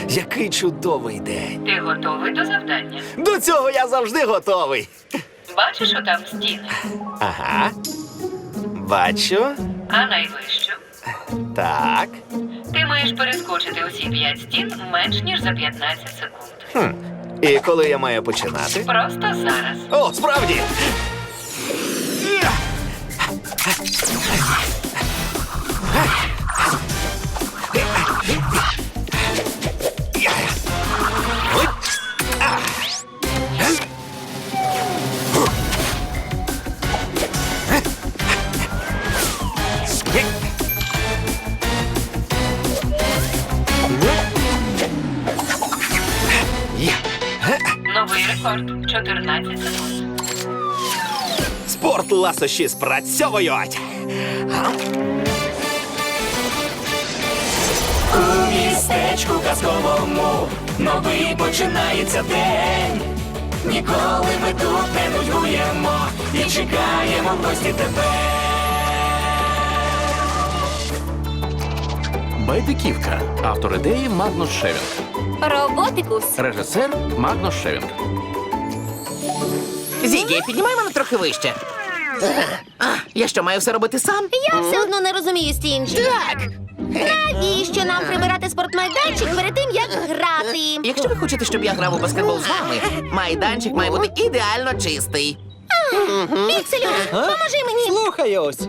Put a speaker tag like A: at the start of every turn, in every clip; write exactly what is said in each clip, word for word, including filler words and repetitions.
A: Який чудовий день.
B: Ти готовий до завдання?
A: До цього я завжди готовий.
B: Бачиш отам стіни?
A: Ага. Бачу.
B: А найвищу?
A: Так.
B: Ти маєш перескочити усі п'ять стін менш ніж за п'ятнадцять секунд.
A: Хм. І коли я маю починати?
B: Просто зараз.
A: О, справді!
B: Новий рекорд. чотирнадцять секунд.
A: Спорт ласощі спрацьовують!
C: У містечку казковому новий починається день. Ніколи ми тут не нудьгуємо і чекаємо в гості тебе.
D: Байдиківка. Автор ідеї Магнус Шевінг.
E: Роботикус.
D: Режисер Магнус Шевінг.
F: Зігі, піднімай мене трохи вище. А, я що, маю все робити сам?
E: Я все одно не розумію, Стінджі.
F: Так.
E: Навіщо нам прибирати спортмайданчик перед тим, як грати?
F: Якщо ви хочете, щоб я грав у баскетбол з вами, майданчик має бути ідеально чистий.
E: Пікселю, поможи мені.
G: Слухаюсь.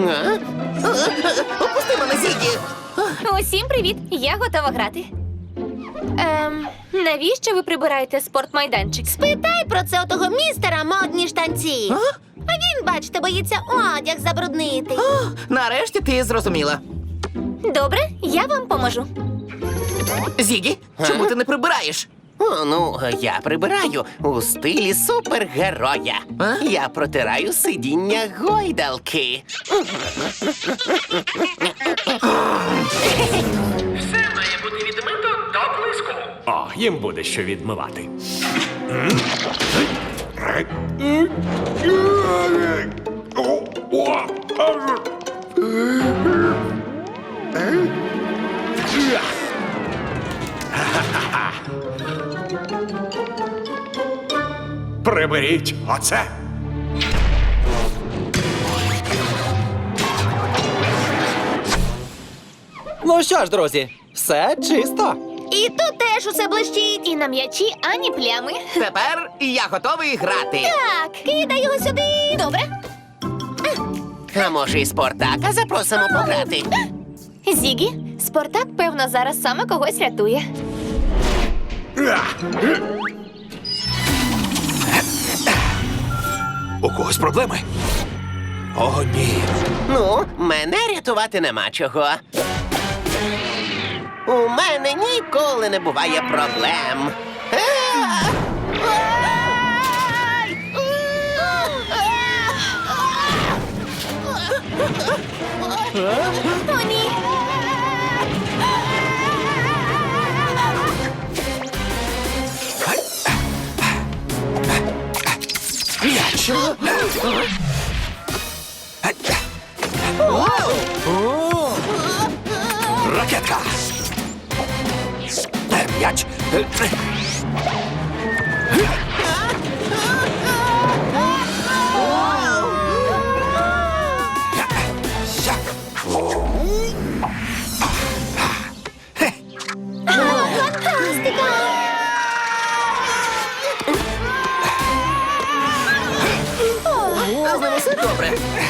F: Опусти мене, Зігі.
E: Усім привіт, я готова грати. Ем, навіщо ви прибираєте спортмайданчик? Спитай про це у того містера модні штанці.
F: А?
E: А він, бачите, боїться одяг забруднити.
F: О, нарешті ти зрозуміла.
E: Добре, я вам поможу.
F: Зігі, чому ти не прибираєш?
H: О, ну, я прибираю у стилі супергероя.
F: А?
H: Я протираю сидіння гойдалки.
C: Все має бути відмито до блиску.
G: О, їм буде що відмивати. Приберіть оце. Ну що ж, друзі, все чисто.
E: І тут теж усе блищить. І на м'ячі ані плями.
F: Тепер я готовий грати.
E: Так, кидай його сюди. Добре.
H: А може, і Спартака запросимо пограти?
E: Зігі, Спартак, певно, зараз саме когось рятує.
A: У когось проблеми? О, ні.
H: Ну, мене рятувати нема чого. У мене ніколи не буває проблем. А! Ай!
E: О, ні.
A: М'яч! Ракетка! Е, М'яч! Е, е. Я. Хе.
F: А з ним усе добре.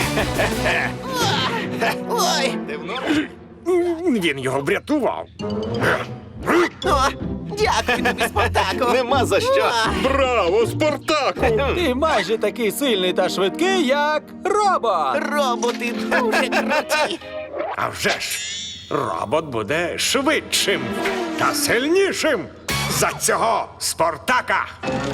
H: Ой!
G: Він його врятував.
H: О, дякую тобі, Спартаку.
A: Нема за що.
G: Браво, Спартаку!
I: Ти майже такий сильний та швидкий, як робот.
H: Роботи дуже круті.
G: А вже ж, робот буде швидшим та сильнішим за цього Спартака.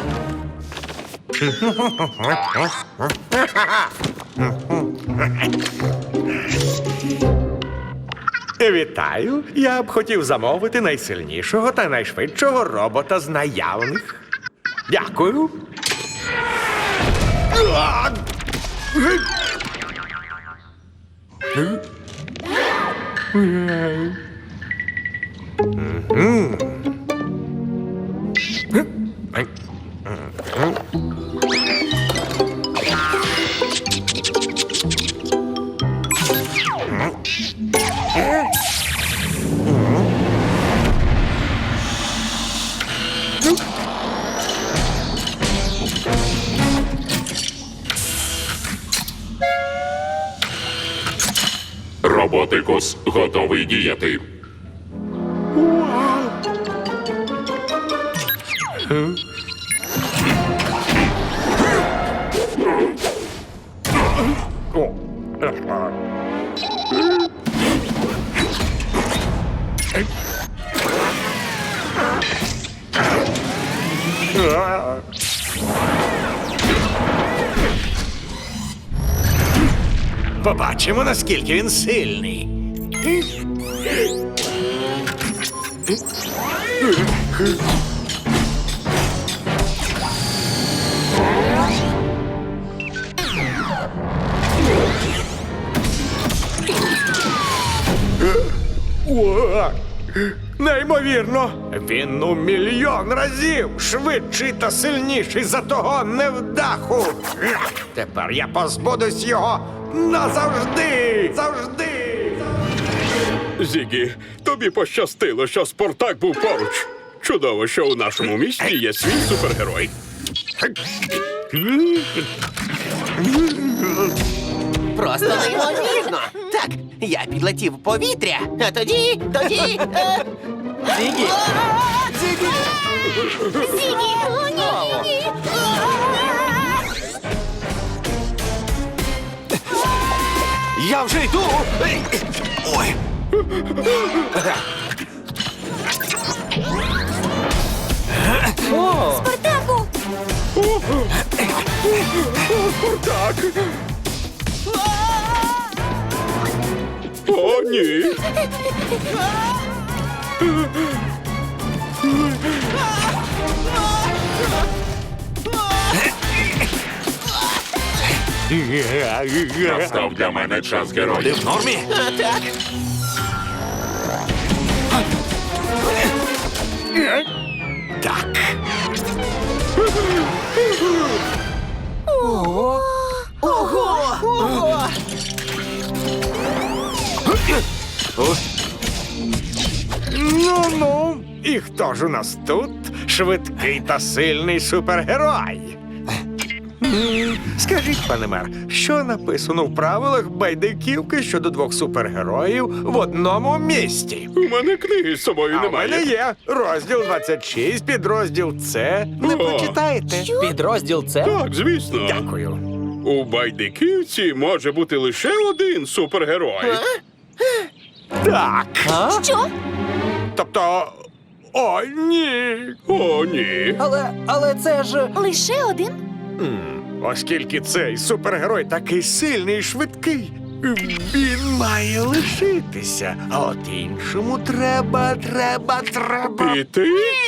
G: Вітаю! Я б хотів замовити найсильнішого та найшвидшого робота з наявних. Дякую.
J: Спартакус готовий діяти.
G: О.
A: Побачимо, наскільки він сильний.
G: О, неймовірно! Він у мільйон разів швидший та сильніший за того невдаху. Тепер я позбудусь його назавжди! Завжди!
J: Зігі, тобі пощастило, що Спартак був поруч. Чудово, що у нашому місті є свій супергерой.
H: Просто неймовірно. Так, я підлетів в повітря, а тоді, тоді. Е...
I: Зігі!
H: Зігі!
E: Зігі! О, ні, ні, ні!
A: Я вже йду. Ей, ой.
E: Спартаку!
J: Спартак! О, ні! Настав для мене час
A: Ти
J: героїв.
A: в нормі?
H: А, так.
A: Так.
H: Ого!
G: Ну-ну, і хто ж у нас тут швидкий та сильний супергерой? М, Скажіть, пане мер, що написано в правилах байдиківки щодо двох супергероїв в одному місті?
J: У мене книги з собою
G: А в мене
J: немає.
G: є розділ двадцять шість, підрозділ С. Не
J: О.
G: прочитаєте?
I: Підрозділ це?
J: Так, звісно.
G: Дякую.
J: У байдиківці може бути лише один супергерой.
G: Так.
I: А?
E: Що?
G: Тобто. О, ні.
J: О, ні.
I: Але, але це ж...
E: Лише один?
G: Оскільки цей супергерой такий сильний і швидкий, він має лишитися. А от іншому треба, треба, треба.
J: Піти?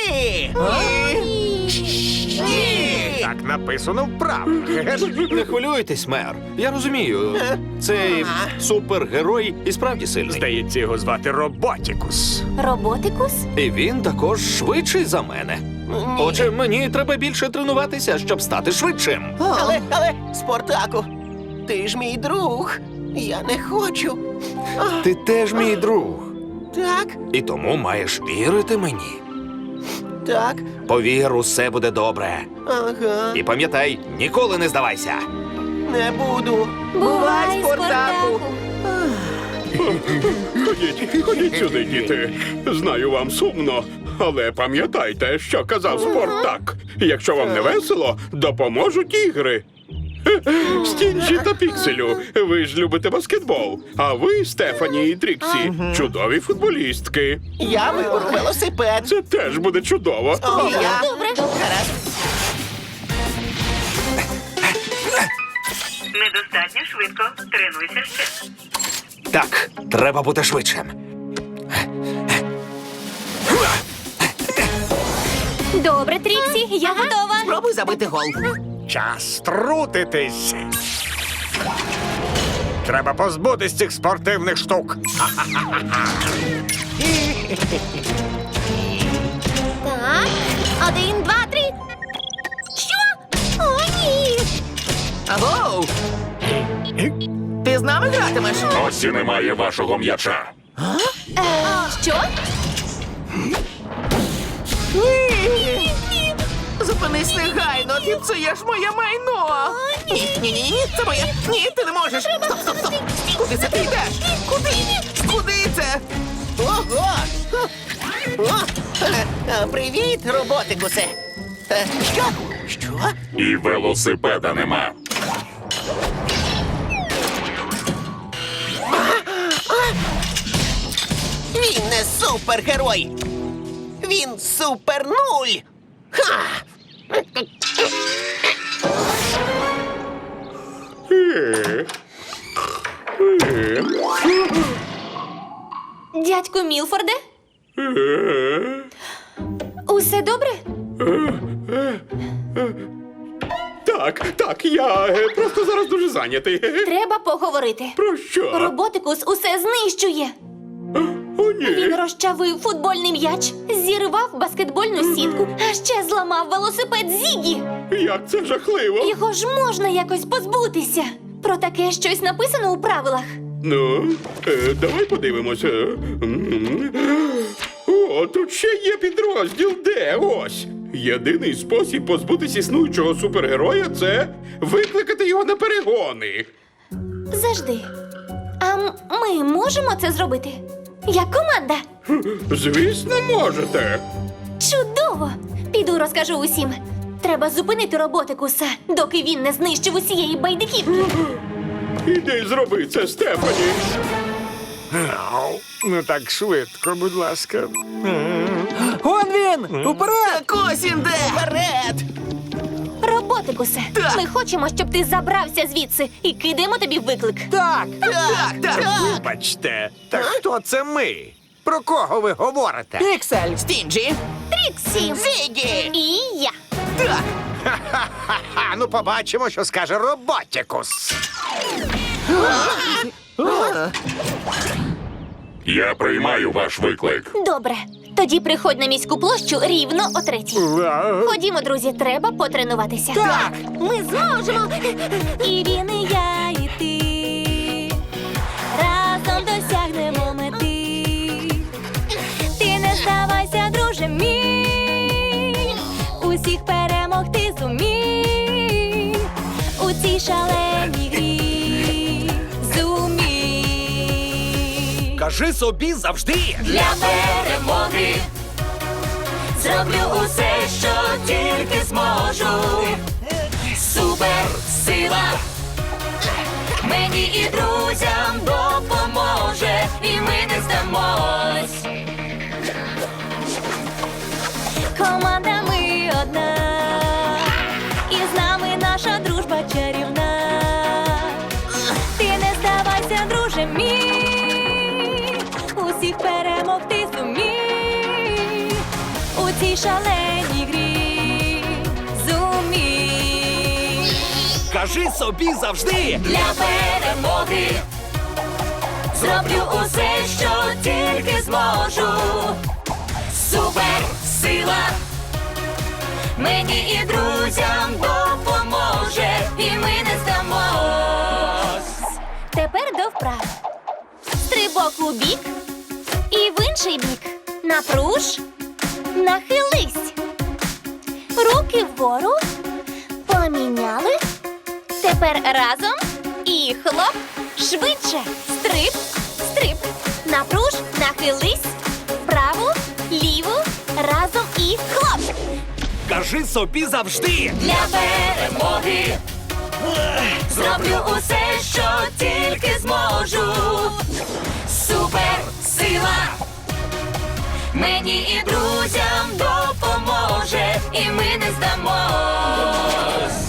G: Так написано в правилах.
A: Не хвилюйтесь, мер. Я розумію. Цей супергерой і справді сильний.
G: Здається, його звати Роботікус.
E: Роботикус?
A: І він також швидший за мене. Отже, мені треба більше тренуватися, щоб стати швидшим.
H: Але, але, Спартаку, ти ж мій друг. Я не хочу.
A: Ти теж мій друг.
H: Так,
A: І тому маєш вірити мені.
H: так,
A: Повір, усе буде добре.
H: ага,
A: І пам'ятай, ніколи не здавайся.
H: не буду.
E: Бувай, Спартаку!
J: Ходіть, ходіть сюди, діти. Знаю, вам сумно, але пам'ятайте, що казав Спартак. Якщо вам не весело, допоможуть ігри. Хе-хе, Стінджі та Пікселю, ви ж любите баскетбол. А ви, Стефані і Тріксі, чудові футболістки.
H: Я виберу велосипед.
J: Це теж буде чудово.
H: О, я.
E: Добре.
H: Гаразд.
B: Недостатньо швидко. Тренуйся ще.
A: Так, треба бути швидшим.
E: Добре, Тріксі, я готова.
H: Спробуй забити гол.
G: Час трутитись. Треба позбутись цих спортивних штук.
E: Так, один, два, три. Що? О, ні!
H: Агоу! Ти з нами гратимеш?
J: Ось і немає вашого м'яча.
E: Е, що?
H: Ні! Зупини
F: Зупинись негайно, ти псуєш моє майно. Ні, ні, ні, ні, це моє. Ні, ти не можеш. Стоп, стоп, стоп. Куди це ти йдеш? Куди? Куди це? Ого! О, е, е, привіт, роботикусе. Е, Що? Що?
J: І велосипеда нема.
F: Він не супергерой. Він супер нуль. Ха!
E: Дядьку Мілфорде? Усе добре?
J: Так, так, я е, просто зараз дуже зайнятий.
E: Треба поговорити.
J: Про що?
E: Роботикус усе знищує.
J: О,
E: Він
J: ні.
E: розчавив футбольний м'яч, зірвав баскетбольну сітку, а ще зламав велосипед Зігі.
J: Як це жахливо.
E: Його ж можна якось позбутися. Про таке щось написано у правилах.
J: Ну, е, давай подивимося. М. О, тут ще є підрозділ. Де? Ось. Єдиний спосіб позбутися існуючого супергероя – це викликати його на перегони.
E: Завжди. А м- ми можемо це зробити? Як команда?
J: Звісно, можете.
E: Чудово! Піду розкажу усім. Треба зупинити роботикуса, доки він не знищив усієї байдиківки.
J: Іди зроби це, Стефані.
G: Ау, ну так швидко, будь ласка.
I: Он він! Уперед!
F: Так ось він де! Вперед!
E: Роботикусе, ми хочемо, щоб ти забрався звідси і кидаємо тобі виклик.
I: Так!
F: Так, так!
G: Вибачте, та хто це ми? Про кого ви говорите?
I: Піксель!
F: Стінджі!
E: Тріксі!
F: Зігі!
E: І я.
F: Так!
G: Ха-ха, ну побачимо, що скаже Роботікус.
J: Я приймаю ваш виклик.
E: Добре. Тоді приходь на міську площу рівно о третій. Ходімо, друзі, треба потренуватися.
I: Так!
E: Ми зможемо. І він, і я, і ти. Разом досягнемо мети. Ти не здавайся, друже мій. Усіх перемогти зумій. У цій шаленій грі. Зумій.
A: Кажи собі завжди.
C: Для перемоги зроблю усе, що тільки зможу. Суперсила мені і друзям допоможе, і ми не здамось.
E: Команда ми одна, і з нами наша дружба чарівна. Ти не здавайся, друже мій, усіх перемогти зумій. У цій шаленій грі зумій.
A: Кажи собі завжди.
C: Для перемоги зроблю усе, що тільки зможу. Суперсила мені і друзям допоможе, і ми не здамось.
E: Тепер до вправ. Стрибок у бік і в інший бік. Напруж, нахились. Руки вгору. Поміняли. Тепер разом і хлоп. Швидше. Стрип, стрип. Напруж, нахились. Праву, ліву. Разом і хлоп.
A: Кажи собі завжди.
C: Для перемоги зроблю усе, що тільки зможу. Суперсила мені і друзям допоможе, і ми не здамось.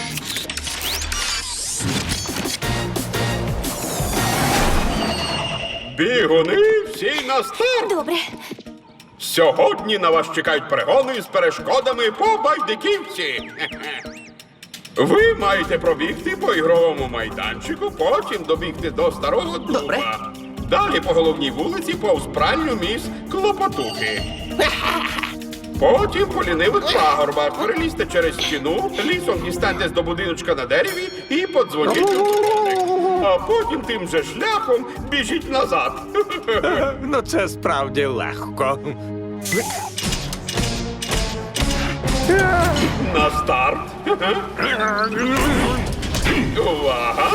J: Бігуни всі на старт!
E: Добре.
J: Сьогодні на вас чекають перегони з перешкодами по байдиківці. Хе-хе. Ви маєте пробігти по ігровому майданчику, потім добігти до старого дуба.
F: Добре.
J: Далі по головній вулиці повз пральню міс Клопотухи. Потім по лінивих пагорбах перелізьте через стіну, лісом дістаньтесь до будиночка на дереві і подзвоніть у дзвоник. А потім тим же шляхом біжіть назад.
G: Ну це справді легко.
J: На старт. Увага.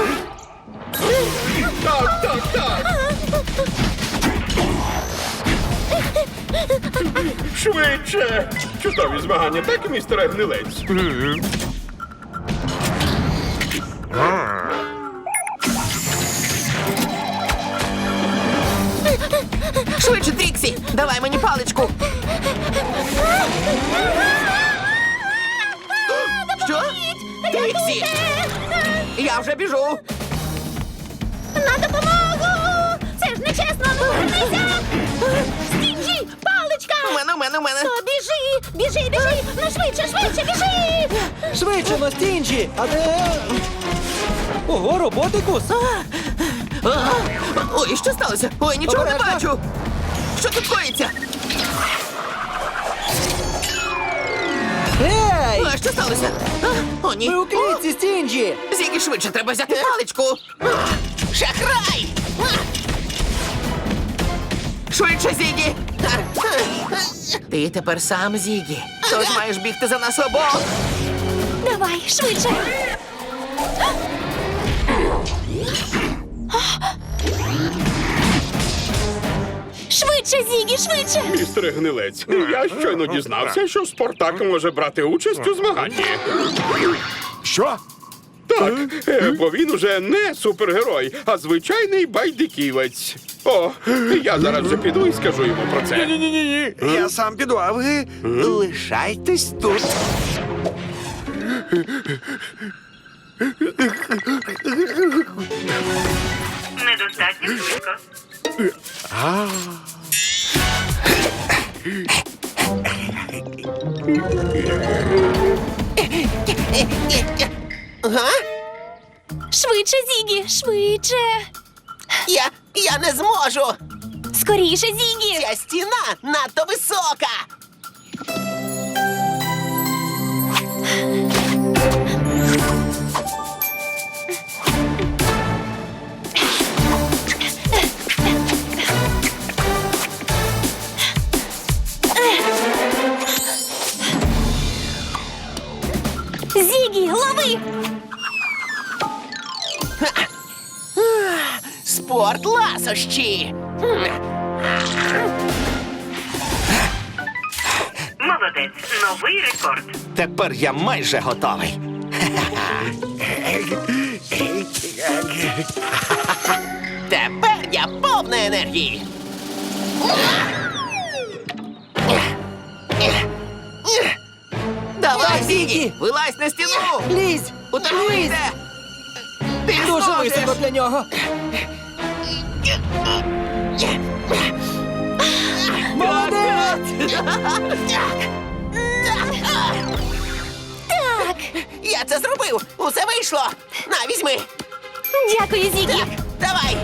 J: Так, так, так. Швидше. Чудові змагання, так, містере Гнилець?
F: Швидше, Тріксі! Давай мені паличку! Що? Тріксі! Я вже біжу!
E: На допомогу! Це ж нечесно, ну вернися! Стінджі, паличка!
F: У мене, у мене, у мене!
E: То біжи, біжи, біжи! Ну швидше, швидше, біжи!
I: Швидше на стінджі! А де? Ого, роботикус!
F: А! Ой, що сталося? Ой, нічого не
I: Обережно.
F: бачу! Що тут коїться?
I: Ей!
F: А, що сталося? А, о, ні!
I: Ми у клітці, стінджі!
F: Зігі, швидше, треба взяти паличку! А, шахрай! А! Швидше, Зігі! А, а, Ти тепер сам, Зігі. Тож маєш бігти за нас обох!
E: Давай, швидше! Швидше, Зігі, швидше!
J: Містере Гнилець, я щойно дізнався, що Спартак може брати участь у змаганні.
G: Що?
J: Так, е, бо він уже не супергерой, а звичайний байдиківець. О, я зараз же піду і скажу йому про це.
G: Ні-ні-ні, я сам піду, а ви лишайтесь тут.
B: Недостатньо швидко.
H: Га?
E: Швидше, Зігі, швидше!
H: Я, я не зможу!
E: Скоріше, Зігі!
H: Ця стіна надто висока!
E: Зігі, лови!
H: Спорт ласощі!
B: Молодець. Новий рекорд.
A: Тепер я майже готовий.
H: Тепер я повна енергії!
F: Давай, Зігі! Вилазь на стіну!
I: Лізь!
F: У тебе вийде! Ти
I: Дуже
F: зможеш!
I: високо для нього! Молодець!
E: Так!
H: Я це зробив! Усе вийшло! На, візьми!
E: Дякую, Зігі!
H: Давай!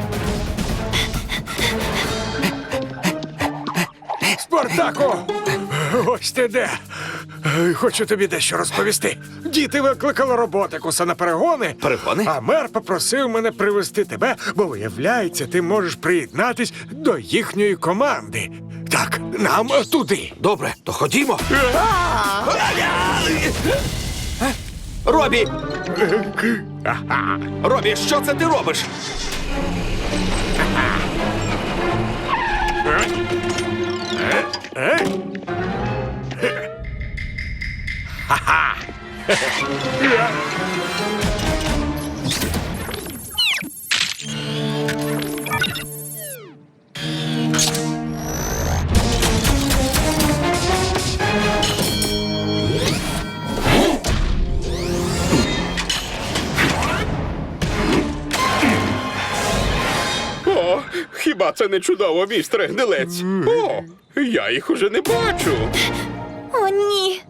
G: Спартаку! Ось ти де. Е, Хочу тобі дещо розповісти. Діти викликали роботикуса на перегони.
A: Перегони?
G: А мер попросив мене привезти тебе, бо, виявляється, ти можеш приєднатись до їхньої команди. Так, нам туди.
A: Добре, то ходімо. Робі! Робі, що це ти робиш?
J: О, хіба це не чудово, містере Гнилець? О, я їх уже не бачу.
E: О, ні!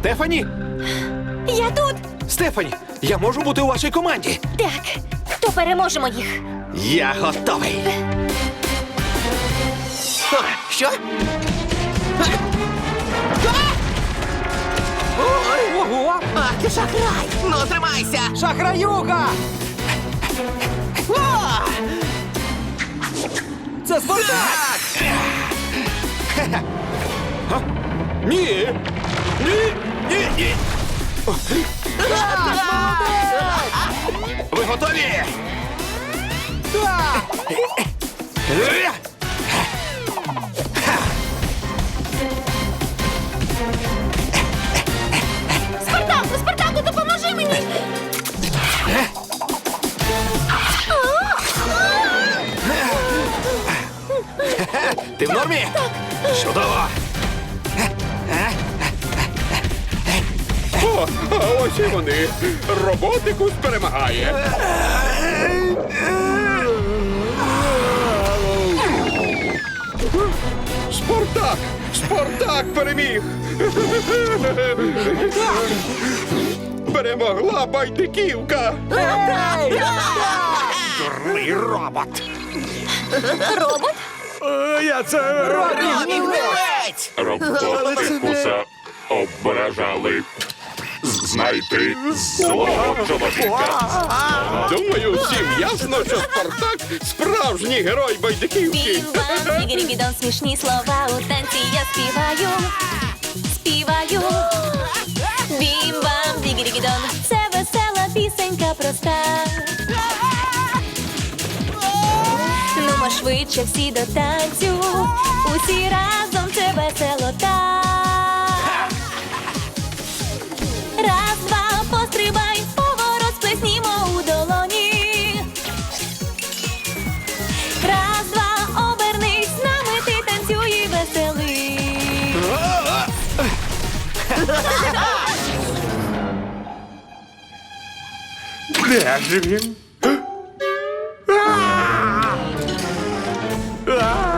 A: Стефані?
E: Я тут.
A: Стефані, я можу бути у вашій команді.
E: Так, то переможемо їх.
A: Я готовий.
H: О, що?
F: Ого! Ах, ти шахрай! Ну, тримайся!
I: Шахраюга!
F: О!
I: Це Спартак!
A: Ні. Ні. Ні. Ні. Ви готові?
E: Спартаку, Спартаку, допоможи мені!
A: Ти в нормі? Так. Чудово.
J: О, а ось і вони. Роботикус перемагає. Спартак! Спартак переміг! Перемогла байдиківка!
G: Дурний робот.
E: Робот?
G: Е, Я це...
F: Гнилець!
J: Роботикуса ображали. Знайти злого чоловіка. Думаю, всім ясно, що Спартак справжній герой байдиківки.
E: Бім-бам, дігірі-бідон, смішні слова у танці я співаю. Співаю. Бім-бам, дігірі-бідон, це весела пісенька проста. Нумо швидше всі до танцю, усі разом це весело так. Раз, два, пострибай, поворот сплеснімо у долоні. Раз, два, обернись, з нами ти танцюй і веселий.
G: Де ж він?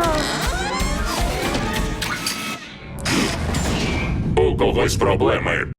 J: У когось проблеми.